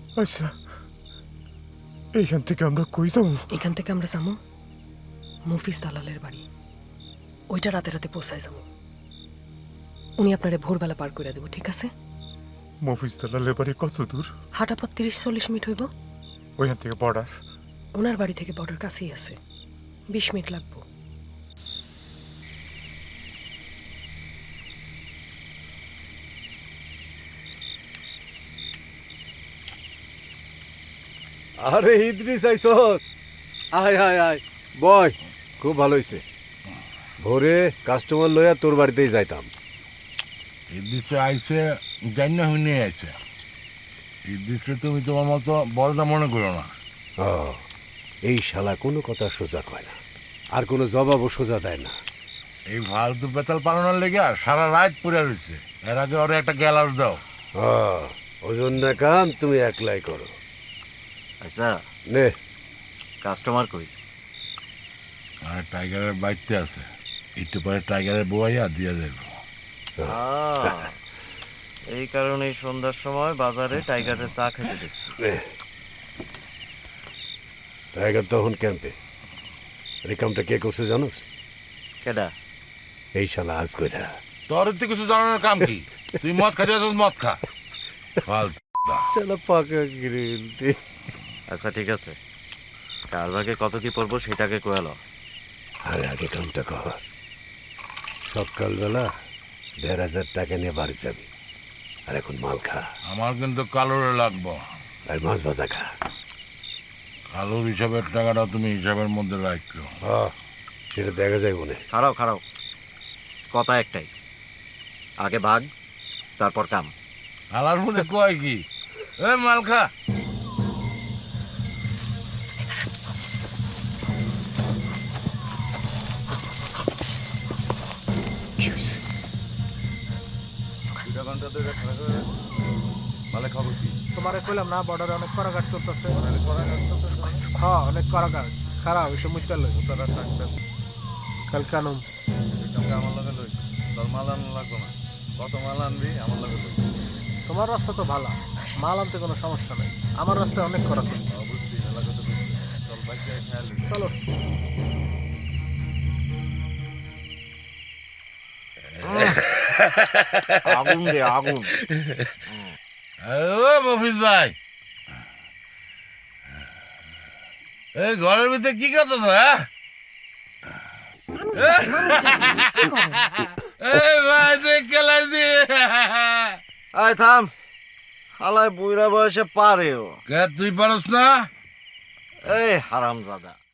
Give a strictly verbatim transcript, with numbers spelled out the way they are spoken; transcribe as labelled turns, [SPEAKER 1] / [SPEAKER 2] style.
[SPEAKER 1] আচ্ছা, এইখান থেকে আমরা কই যাবো?
[SPEAKER 2] এখান থেকে আমরা যাবো মফিজ দালালের বাড়ি। ওইটা রাতে রাতে পৌঁছায় যাবো। উনি আপনারে ভোরবেলা পার করে দেবো, ঠিক আছে?
[SPEAKER 1] মফিজ দালালের বাড়ি কত দূর?
[SPEAKER 2] হাঁটা পথ তিরিশ চল্লিশ মিনিট হইব।
[SPEAKER 1] ওইখান থেকে বর্ডার?
[SPEAKER 2] ওনার বাড়ি থেকে বর্ডার কাছেই আছে, বিশ মিনিট লাগবো।
[SPEAKER 3] আরে ইদ্রিস আইসস, আয় আয় আয় বয়, খুব ভালো হয়েছে। ভোরে কাস্টমার লইয়া তোর বাড়িতেই যাইতাম।
[SPEAKER 4] ইদ্রিসে আইসে জানি না হুই নিয়ে আইসে। ইদ্রিসে তুমি তোমার মতো বলটা মনে করো না।
[SPEAKER 3] ও, এই শালা কোনো কথা সোজা কয় না, আর কোনো জবাবও সোজা দেয় না।
[SPEAKER 4] এই ফালতু বেতাল পালানোর লেগে সারা রাত পড়ে রয়েছে। এর আগে ওরা একটা গ্যালাস দাও।
[SPEAKER 3] ও, ওজন না কাম তুমি একলাই করো।
[SPEAKER 5] আচ্ছা,
[SPEAKER 3] নে
[SPEAKER 5] কাস্টমার কই?
[SPEAKER 4] আর টাইগারের বাড়িতে আছে, একটু পরে টাইগারের বউয়াইয়া দিয়ে দেবো।
[SPEAKER 5] আহ, এই কারণেই সন্ধ্যার সময় বাজারে টাইগারের চা খেতে দেখছি।
[SPEAKER 3] নে, টাইগার তখন ক্যাম্পে। এই কামটা কে করছে জানোস?
[SPEAKER 5] কেডা?
[SPEAKER 3] এই শালা আজ কইরা।
[SPEAKER 4] তোর তো কিছু জানানোর কাম কি? তুই মদ খাতে আসছিস, মদ খা। ফালতু
[SPEAKER 3] শালা পাকা গ্রিল।
[SPEAKER 5] আচ্ছা ঠিক আছে, কার ভাগে কত কি পড়বো সেটাকে কোয়ালো।
[SPEAKER 3] আরে আগে কামটা কর। সকালবেলা দেড় হাজার টাকা নিয়ে বাড়ি যাবি, আর এখন মাল খা
[SPEAKER 4] আমার কিন্তু কালোরে লাগবো।
[SPEAKER 3] আর মাছ ভাজা খা।
[SPEAKER 4] কালোর হিসাবের টাকাটা তুমি হিসাবের মধ্যে রাখো।
[SPEAKER 3] হ্যাঁ, সেটা দেখা যায় মনে।
[SPEAKER 5] খারাও খারাও, কথা একটাই, আগে ভাগ তারপর কাম।
[SPEAKER 4] আলার মধ্যে কয় কি? এ মাল খা।
[SPEAKER 6] তোমারে কইলাম না বর্ডারে অনেক করাঘাট চলতেছে। হ্যাঁ, অনেক করাঘাট খারাপ ওইসব মুখতে লই কাল কানুম। তোমার রাস্তা তো ভালো, মাল আনতে কোনো সমস্যা নেই। আমার রাস্তায় অনেক করাঘাট। চলো।
[SPEAKER 5] আগুন রে আগুন।
[SPEAKER 4] ও মফিজ ভাই, এই ঘরের ভিতরে কি করতেছ? হ্যাঁ ভাই, তুই খেলাইছি।
[SPEAKER 5] আয় থাম, হালায় বুইরা বয়সে পারেও।
[SPEAKER 4] কে তুই পারস না?
[SPEAKER 5] এই হারামজাদা।